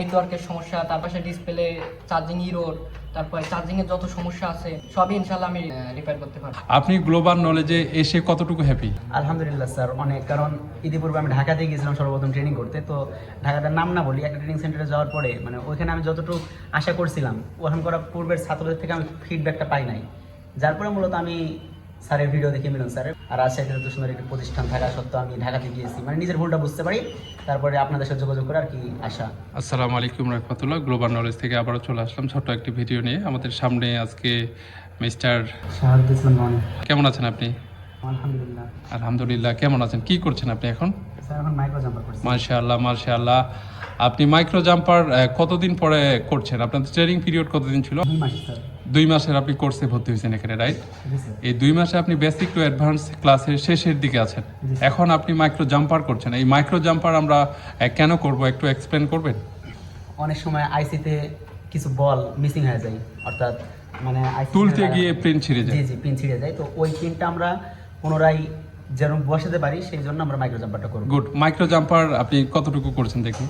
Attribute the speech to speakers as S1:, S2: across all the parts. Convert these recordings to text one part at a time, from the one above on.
S1: নেটওয়ার্কের সমস্যা, তার পাশে ডিসপ্লে, চার্জিং ইরোর, তারপরে চার্জিং এর যত সমস্যা আছে সবই ইনশাআল্লাহ আমি রিপেয়ার করতে পারবো।
S2: আপনি গ্লোবাল নলেজে এসে কতটুকু হ্যাপি?
S3: আলহামদুলিল্লাহ স্যার, অনেক। কারণ ইতিপূর্বে আমি ঢাকাতে গিয়েছিলাম সর্বপ্রথম ট্রেনিং করতে। তো ঢাকাটার নাম না বলি, একটা ট্রেনিং সেন্টারে যাওয়ার পরে মানে ওইখানে আমি যতটুকু আশা করছিলাম ওখান করা পূর্বের ছাত্রদের থেকে আমি ফিডব্যাকটা পাই নাই। যার পরে মূলত আমি স্যারের ভিডিও দেখে মিলন স্যারের আর রাজশাহীতে এত সুন্দর একটি প্রতিষ্ঠান থাকা সত্ত্বেও আমি ঢাকাতে গিয়েছি, মানে নিজের ভুলটা বুঝতে পারি, তারপরে আপনাদের সাথে যোগাযোগ করে আর কি আশা।
S2: আসসালামু আলাইকুম রহমতুল্লাহ। গ্লোবাল নলেজ থেকে আবারও চলে আসলাম ছোট্ট একটি ভিডিও নিয়ে। আমাদের সামনে আজকে মিস্টার
S3: শাহাদুল ইসলাম।
S2: কেমন আছেন আপনি?
S3: আলহামদুলিল্লাহ।
S2: আলহামদুলিল্লাহ। কেমন আছেন? কি করছেন আপনি এখন?
S3: স্যার এখন মাইক্রো জাম্পার করছি।
S2: মাশাআল্লাহ মাশাআল্লাহ। আপনি মাইক্রো জাম্পার কতদিন পরে করছেন? আপনাদের ট্রেনিং পিরিয়ড কতদিন ছিল?
S3: 2 মাস স্যার।
S2: 2 মাসের আপনি কোর্সে ভর্তি হয়েছেন এখানে, রাইট?
S3: জি স্যার।
S2: এই 2 মাসে আপনি বেসিক টু অ্যাডভান্স ক্লাসের শেষের দিকে আছেন। এখন আপনি মাইক্রো জাম্পার করছেন। এই মাইক্রো জাম্পার আমরা কেন করব একটু এক্সপ্লেন করবেন?
S3: অনেক সময় আইসিতে কিছু বল মিসিং হয়ে যায়, অর্থাৎ মানে
S2: তুলতে গিয়ে প্রিন্ট ছিঁড়ে যায়।
S3: জি জি, পিন ছিঁড়ে যায়। তো ওই পিনটা আমরা পুনরায় যেন বসাতে পারি সেই জন্য আমরা মাইক্রো জাম্পারটা করব।
S2: গুড। মাইক্রো জাম্পার আপনি কতটুকু করছেন দেখি?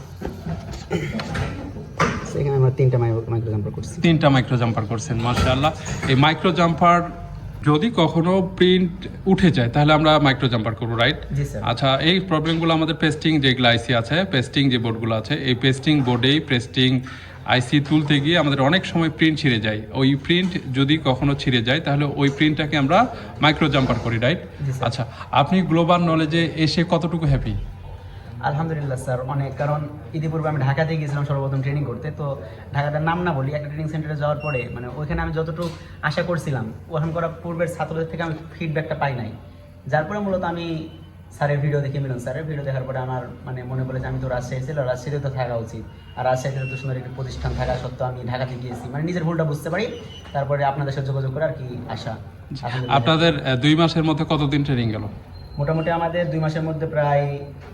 S3: সেখানে আমরা 3টা মাইক্রো জাম্পার করছি।
S2: 3টা মাইক্রো জাম্পার করছেন, মাশাআল্লাহ। এই মাইক্রো জাম্পার যদি কখনো প্রিন্ট উঠে যায় তাহলে আমরা মাইক্রো জাম্পার করবো, রাইট?
S3: জি স্যার।
S2: আচ্ছা, এই প্রবলেমগুলো আমাদের পেস্টিং যেগুলো আইসি আছে, পেস্টিং যে বোর্ডগুলো আছে, এই পেস্টিং বোর্ডেই পেস্টিং আইসি তুলতে গিয়ে আমাদের অনেক সময় প্রিন্ট ছিঁড়ে যায়। ওই প্রিন্ট যদি কখনো ছিঁড়ে যায় তাহলে ওই প্রিন্টটাকে আমরা মাইক্রো জাম্পার করি, রাইট?
S3: জি স্যার।
S2: আচ্ছা, আপনি গ্লোবাল নলেজে এসে কতটুকু হ্যাপি?
S3: আলহামদুলিল্লাহ স্যার, অনেক। কারণ ইতিপূর্বে আমি ঢাকাতে গিয়েছিলাম সর্বপ্রথম ট্রেনিং করতে। তো ঢাকাটার নাম না বলি, একটা ট্রেনিং সেন্টারে যাওয়ার পরে মানে ওইখানে আমি যতটুকু আশা করছিলাম ওখান করা পূর্বের ছাত্রদের থেকে আমি ফিডব্যাকটা পাই নাই। যার পরে মূলত আমি স্যারের ভিডিও দেখে মিলন স্যারের ভিডিও দেখার পরে আমার মানে মনে পড়ে যে আমি তো রাজশাহী ছিল, রাজশাহীতে তো থাকা উচিত, আর রাজশাহীতে এত সুন্দর একটি প্রতিষ্ঠান থাকা সত্ত্বেও আমি ঢাকাতে গিয়েছি, মানে নিজের ভুলটা বুঝতে পারি, তারপরে আপনাদের সাথে যোগাযোগ করে আর কি আশা। আলহামদুলিল্লাহ।
S2: আপনাদের 2 মাসের মধ্যে কতদিন ট্রেনিং গেল?
S3: মোটামুটি আমাদের 2 মাসের মধ্যে প্রায়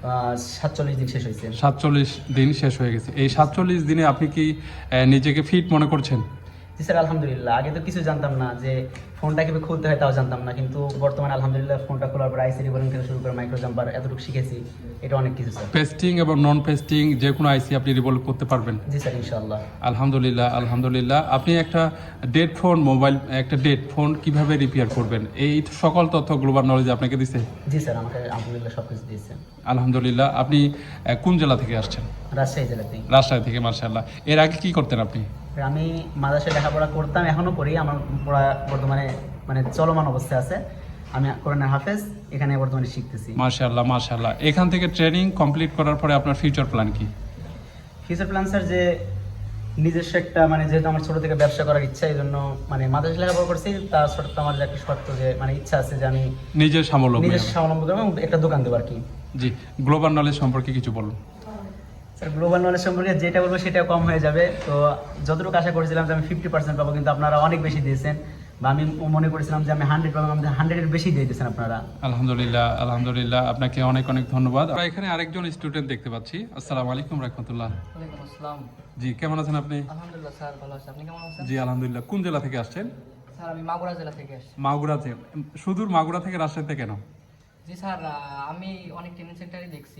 S3: 47 দিন শেষ হয়েছে।
S2: 47 দিন শেষ হয়ে গেছে। এই 47 দিনে আপনি কি নিজেকে ফিট মনে করছেন?
S3: জি স্যার, আলহামদুলিল্লাহ। আগে তো কিছু জানতাম না, যে ফোনটা কীভাবে খুলতে হয় তাও জানতাম না, কিন্তু বর্তমানে আলহামদুলিল্লাহ ফোনটা খোলার পর আইসি রিবোলিং থেকে শুরু করে মাইক্রো জাম্পার এতটুকু শিখেছি, এটা অনেক কিছু স্যার।
S2: পেস্টিং এবং নন পেস্টিং যে কোনো আইসি আপনি রিভলভ করতে পারবেন?
S3: জি স্যার, ইনশাআল্লাহ।
S2: আলহামদুলিল্লাহ আলহামদুলিল্লাহ। আপনি একটা ডেড ফোন একটা ডেড ফোন কিভাবে রিপেয়ার করবেন এই সকল তথ্য গ্লোবাল নলেজ আপনাকে দিছে?
S3: জি স্যার, আমাকে আলহামদুলিল্লাহ সব কিছু দিয়েছেন।
S2: আলহামদুলিল্লাহ। আপনি কোন জেলা থেকে আসছেন?
S3: রাজশাহী জেলাতেই।
S2: রাজশাহী থেকে, মাশাআল্লাহ। এর আগে কি করতেন আপনি?
S3: আমি মাদ্রাসায় লেখাপড়া করতাম, এখনও করি। আমার পড়া বর্তমানে মানে চলমান অবস্থায় আছে। আমি কোরআনের হাফেজ, এখানে বর্তমানে শিখতেছি।
S2: মাশাআল্লাহ মাশাআল্লাহ। এখান থেকে ট্রেনিং কমপ্লিট করার পরে আপনার ফিউচার প্ল্যান কি?
S3: ফিউচার প্ল্যান স্যার, যে নিজস্ব একটা মানে যেহেতু আমার ছোটো থেকে ব্যবসা করার ইচ্ছা, এই জন্য মানে মাদ্রাসা লেখাপড়া করছি, তার সত্ত্বেও আমার যে একটা শর্ত, যে মানে ইচ্ছা আছে যে আমি
S2: নিজের
S3: নিজের
S2: স্বাবলম্বী
S3: স্বাবলম্বী করবো এবং একটা দোকান দেবো আর কি।
S2: জি। গ্লোবাল নলেজ সম্পর্কে কিছু বলুন।
S3: স্যার, গ্লোবাল নলেজ সম্পর্কে যেটা বলবো সেটা কম হয়ে যাবে। তো যতটুকু আশা করেছিলাম যে আমি 50% পাবো, কিন্তু আপনারা অনেক বেশি দিয়েছেন, বা আমি মনে করেছিলাম যে আমি 100 পাবো, আমাদের 100-এর বেশি দিয়ে দিয়েছেন আপনারা।
S2: আলহামদুলিল্লাহ আলহামদুলিল্লাহ, আপনাকে অনেক অনেক ধন্যবাদ। আমরা এখানে আরেকজন স্টুডেন্ট দেখতে পাচ্ছি। আসসালামু আলাইকুম রাহমাতুল্লাহ।
S1: ওয়ালাইকুম আসসালাম।
S2: জি, কেমন আছেন আপনি?
S1: আলহামদুলিল্লাহ স্যার, ভালো আছি। আপনি কেমন আছেন?
S2: জি আলহামদুলিল্লাহ। কোন জেলা থেকে আসছেন?
S1: স্যার আমি মাগুরা জেলা থেকে আসছি।
S2: মাগুরা থেকে? সুদূর মাগুরা থেকে রাজশাহীতে কেন?
S1: জি স্যার, আমি অনেক ট্রেনিং সেন্টারে দেখছি,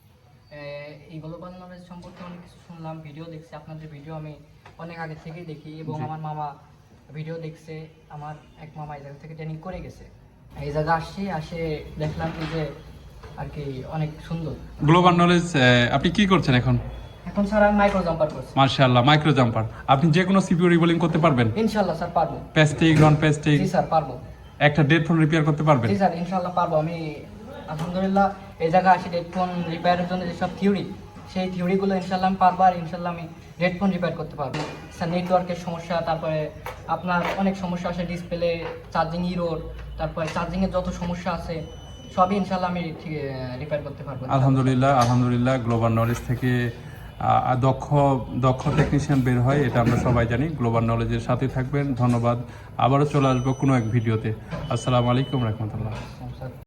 S1: এই গ্লোবাল নলেজ সম্পর্কে অনেক কিছু শুনলাম, ভিডিও দেখছি। আপনাদের ভিডিও আমি অনেক আগে থেকেই দেখি, এবং আমার মামা ভিডিও দেখছে। আমার এক মামা এই জায়গা থেকে ট্রেনিং করে গেছে, এই জায়গা আসে দেখলাম কি যে আর কি অনেক সুন্দর।
S2: গ্লোবাল নলেজ আপনি কি করছেন এখন?
S1: এখন স্যার আমি মাইক্রো জাম্পার করছি।
S2: মাশাআল্লাহ, মাইক্রো জাম্পার। আপনি যে কোনো সিপিইউ রিবোলিং করতে পারবেন?
S1: ইনশাআল্লাহ স্যার পারবো।
S2: Pasting non pasting?
S1: জি স্যার পারবো।
S2: একটা ডেড ফোন রিপেয়ার করতে পারবেন?
S1: জি স্যার, ইনশাআল্লাহ পারবো। আমি আলহামদুলিল্লাহ এই জায়গা আসি হেডফোন রিপেয়ারের জন্য যেসব থিওরি, সেই থিওরিগুলো ইনশাআল্লাহ আমি পারবো, আর ইনশাআল্লাহ আমি হেডফোন রিপেয়ার করতে পারবো। স্যার নেটওয়ার্কের সমস্যা, তারপরে আপনার অনেক সমস্যা আছে, ডিসপ্লে, চার্জিং ইরোর, তারপরে চার্জিংয়ের যত সমস্যা আছে সবই ইনশাআল্লাহ আমি রিপেয়ার করতে পারবো।
S2: আলহামদুলিল্লাহ আলহামদুলিল্লাহ। গ্লোবাল নলেজ থেকে দক্ষ দক্ষ টেকনিশিয়ান বের হয়, এটা আমরা সবাই জানি। গ্লোবাল নলেজের সাথে থাকবেন। ধন্যবাদ। আবারও চলে আসবো কোনো এক ভিডিওতে। আসসালামু আলাইকুম রহমতুল্লাহ।